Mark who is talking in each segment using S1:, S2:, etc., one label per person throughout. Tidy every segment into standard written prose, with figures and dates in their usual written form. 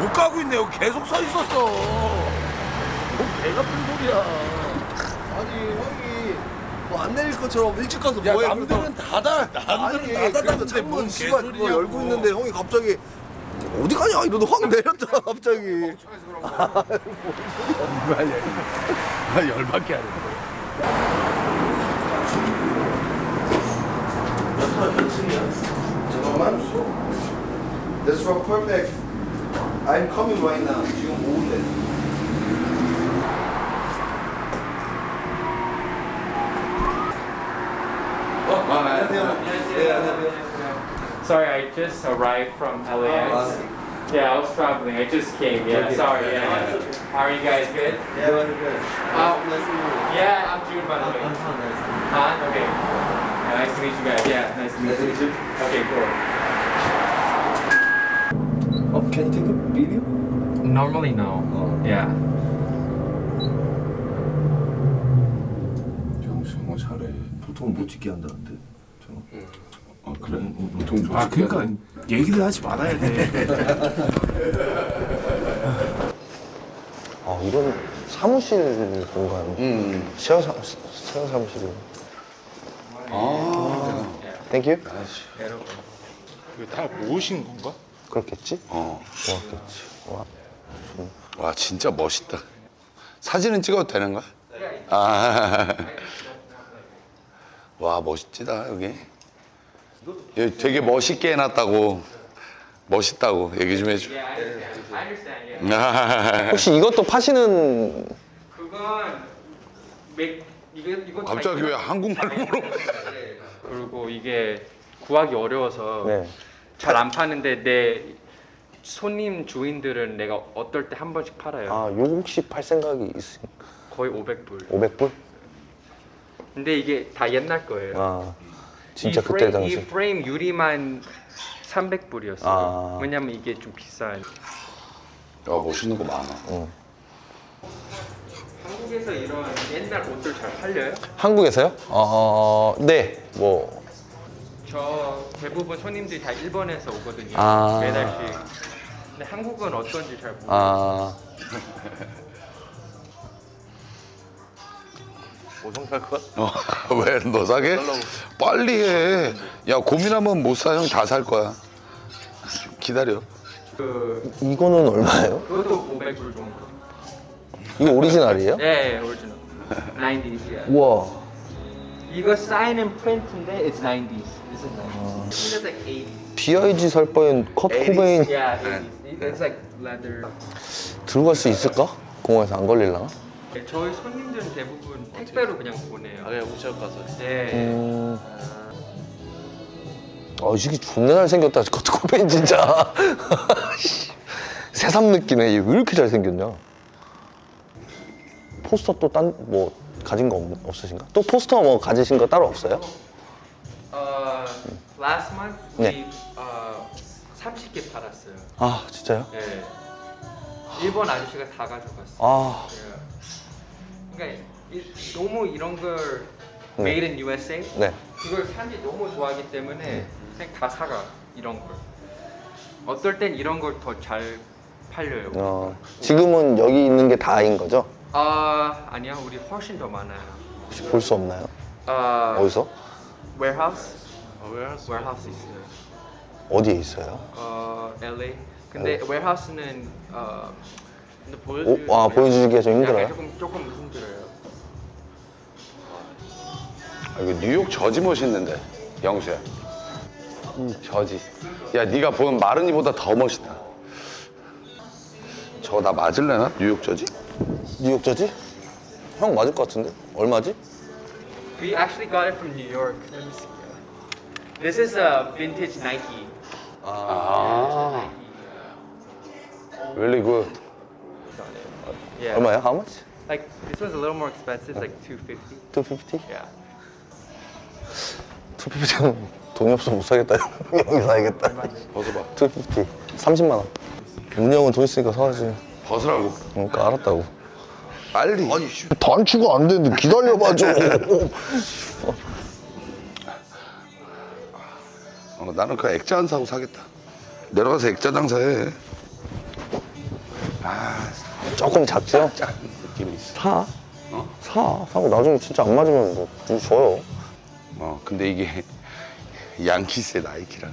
S1: 못 가고 있네. 여기 계속 서 있었어. 뭐 개같은 소리야.
S2: 아니 형이 뭐 안 내릴 것처럼 일찍 가서
S1: 야,
S2: 뭐해?
S1: 남들은 닫아. 남들은 닫았다는데
S2: 창문
S1: 뭔
S2: 씨발 그거
S1: 개소리냐고.
S2: 열고 있는데 형이 갑자기 어디 가냐 이러다 확 내렸잖아 갑자기.
S1: 열받게 하네.
S2: 잠깐만. That's for perfect. I'm coming right now. 지금 오는데.
S3: Sorry, I just arrived from LAX. Yeah, I was traveling. I just came. Yeah, sorry. Yeah. How are you guys? Good?
S2: Yeah, very good.
S3: Yeah, I'm June, by the way. Han? Okay. Yeah, nice to meet you guys. Yeah, nice to meet you. Okay, cool.
S2: Oh, can you take a video?
S3: Normally, no. Yeah.
S1: 정승호 잘해.
S2: 보통 못 찍게 한다는데.
S1: 아 그래? 보통 아 그러니까 얘기를 하지 말아야 돼.
S2: 아 이건 사무실 공간. 시험 사무실이.
S1: 아.
S2: Thank you.
S1: 이거 다 모으신 건가?
S2: 그렇겠지?
S4: 어.
S2: 고맙겠지. 와.
S4: 와 진짜 멋있다. 사진은 찍어도 되는 거야? 아. 와 멋지다 여기. 여기 되게 멋있게 해놨다고. 멋있다고 얘기 좀 해줘.
S3: Yeah, I understand. Yeah.
S2: 혹시 이것도 파시는?
S3: 그건 이거
S4: 갑자기 왜 한국말로 물어봐?
S3: 그리고 이게 구하기 어려워서
S2: 네.
S3: 잘 안 파는데 내 손님 주인들은 내가 어떨 때 한 번씩 팔아요.
S2: 아, 요 혹시 팔 생각이 있으니까
S3: 거의 500불.
S2: 500불?
S3: 근데 이게 다 옛날 거예요.
S2: 아, 진짜
S3: 이
S2: 그때
S3: 프레임,
S2: 당시.
S3: 이 프레임 유리만 300불이었어요.
S2: 아.
S3: 왜냐면 이게 좀 비싼.
S4: 야 멋있는 거 많아.
S3: 한국에서 이런 옛날 옷들 잘 팔려요?
S2: 한국에서요? 네. 뭐
S3: 저 대부분 손님들이 다 일본에서 오거든요.
S2: 아.
S3: 매달씩. 근데 한국은 어떤지 잘 모르겠어요.
S2: 아. 오성 살 것?
S4: 왜 너 사게? 빨리 해. 야 고민하면 못 사. 형 다 살 거야. 기다려.
S2: 이거는 얼마예요?
S3: 그것도 500불 정도.
S2: 이거 오리지널이에요?
S3: 네, 오리지널. 90s, yeah.
S2: 우와.
S3: 이거 sign and print인데 it's 90s. This is 90s. This is like 80s.
S2: B.I.G. 살 바엔 컷 코베인
S3: Yeah, 80s. It's like leather.
S2: 들어갈 수 있을까? 공항에서 안 걸릴라나?
S3: 저희 손님들은 대부분 택배로 그냥 보내요.
S5: 아, 그냥 우체국 가서.
S3: 네.
S2: 이 새끼 존나 잘생겼다. 컷 코베인 진짜. 새삼 느끼네. 얘 왜 이렇게 잘생겼냐? 포스터 또 뭐 가진 거 없으신가? 또 포스터 뭐 가지신 거 따로 없어요?
S3: Last month
S2: 네.
S3: we 30개 팔았어요.
S2: 아 진짜요?
S3: 네. 일본 아저씨가 다 가져갔어요.
S2: 아
S3: 그러니까 너무 이런 걸
S2: 네.
S3: Made in USA
S2: 네.
S3: 그걸 사람들이 너무 좋아하기 때문에 그냥 다 사가 이런 걸. 어떨 땐 이런 걸 더 잘 팔려요.
S2: 지금은 여기 있는 게 다인 거죠?
S3: 아니야, 우리 훨씬 더 많아요.
S2: 혹시 볼 수 없나요?
S3: 어,
S2: 어디서?
S3: warehouse?
S5: warehouse?
S3: warehouse 있어요.
S2: 어디에 있어요?
S3: LA. 근데 warehouse는 근데
S2: 보여주기가 좀 힘들어요?
S3: 약간 조금 힘들어요.
S4: 아, 이거 뉴욕 저지 멋있는데 영수야. 저지. 야 네가 보는 마르니보다 더 멋있다. 저거 나 맞을래나? 뉴욕 저지?
S2: 뉴욕 저지? 형 맞을 것 같은데? 얼마지?
S3: We actually got it from New York. Let me see. This is a vintage Nike.
S4: 아. Really good.
S3: Yeah.
S2: 얼마야? How much?
S3: Like this was a little more expensive, like 250.
S2: 250?
S3: Yeah.
S2: 250은 돈이 없어 못 사겠다. 여기 사야겠다.
S4: 벗어봐.
S2: 250. 30만 원. 문희 형은 돈 있으니까 사야지.
S4: 벗으라고.
S2: 그러니까 알았다고.
S4: 빨리.
S2: 아니 단추가 안 되는데 기다려봐 좀.
S4: 나는 그 액자 안 사고 사겠다. 내려가서 액자 장사해. 아,
S5: 조금 작죠?
S4: 짠 느낌이 있어.
S5: 사.
S4: 어?
S5: 사고 나중에 진짜 안 맞으면 뭐 누구 줘요.
S4: 근데 이게 양키스의 나이키라.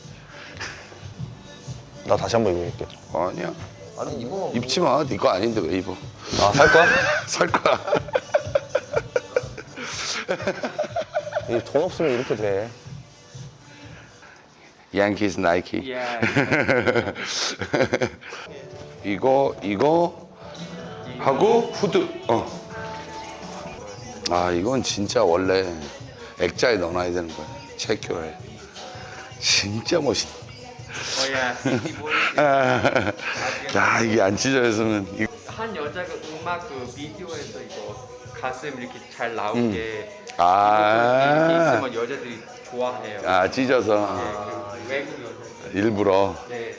S5: 나 다시 한번 입어볼게.
S4: 아니야.
S5: 아니 입어.
S4: 입지 마. 네 거 아닌데 왜 입어?
S5: 아 살 거야?
S4: 살 거야.
S5: 이 돈 없으면 이렇게 돼.
S4: 양키스 나이키.
S3: Yeah.
S4: 이거 하고 후드. 아 이건 진짜 원래 액자에 넣어놔야 되는 거야. 체크를. 진짜 멋있다.
S3: Oh yeah.
S4: 야 이게 안 찢어져서는
S3: 한 여자가 음악 그 비디오에서 이거 가슴 이렇게 잘 나오게 이렇게 있으면 여자들이 좋아해요.
S4: 찢어서
S3: 그 외국 여자.
S4: 일부러.
S3: 네.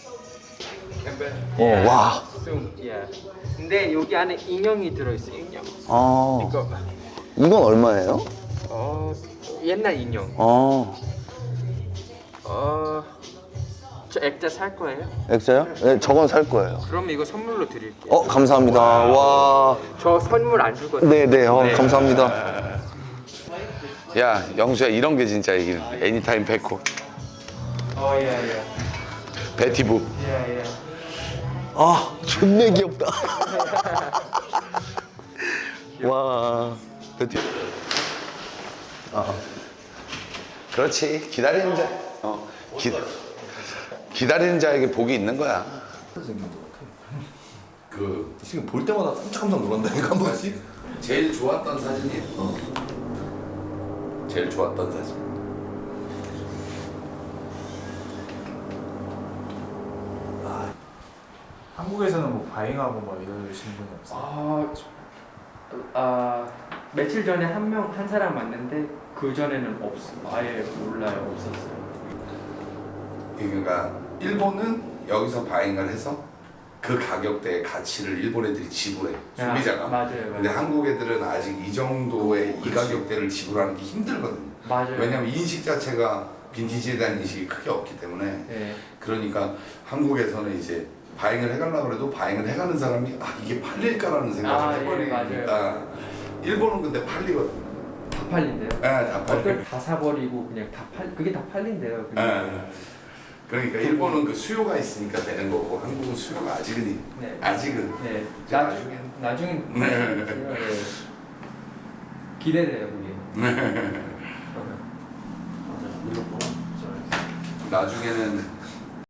S5: 와.
S3: 근데 여기 안에 인형이 들어있어 인형.
S5: 아.
S3: 이거
S5: 이건 얼마예요?
S3: 옛날 인형. 저 액자 살 거예요?
S5: 액자요? 네, 저건 살 거예요.
S3: 그럼 이거 선물로 드릴게요.
S5: 감사합니다. 와.
S3: 저 선물 안 주거든요.
S5: 네네. 감사합니다.
S4: 야 영수야 이런 게 진짜 이게 애니타임 패코.
S3: 예.
S4: 베티북.
S3: 예.
S5: 아, 존나 귀엽다. 와.
S4: 베티. 그렇지 기다리는 자. 기다리는 자에게 복이 있는 거야.
S1: 지금 볼 때마다 깜짝깜짝 놀란다니까 한 번씩.
S4: 제일 좋았던 사진이. 제일 좋았던 사진.
S6: 한국에서는 뭐 바잉하고 막 이러시는 분이 없어요?
S3: 며칠 전에 한 사람 왔는데 그 전에는 아예 몰라요. 없었어요.
S4: 그러니까 일본은 여기서 바잉을 해서 그 가격대의 가치를 일본 애들이 지불해 소비자가.
S3: 맞아요.
S4: 근데 한국 애들은 아직 이 정도의 이 가격대를 지불하는 게 힘들거든요.
S3: 맞아요.
S4: 왜냐면 인식 자체가 빈티지에 대한 인식이 크게 없기 때문에.
S3: 네.
S4: 그러니까 한국에서는 이제 바잉을 해가려고 해도 바잉을 해가는 사람이 이게 팔릴까라는 생각을 해버리니까.
S3: 맞아요.
S4: 일본은 근데 팔리거든.
S3: 다 팔린대요.
S4: 네, 다 팔려.
S3: 다 사버리고 그냥 그게 다 팔린대요. 그냥.
S4: 네. 그러니까 일본은 그 수요가 있으니까 되는 거고 한국은 수요가 아직은
S3: 네.
S4: 아직은.
S3: 네.
S4: 나중엔.
S3: 나중엔
S4: 네.
S3: 기대돼요 그게.
S4: 나중에는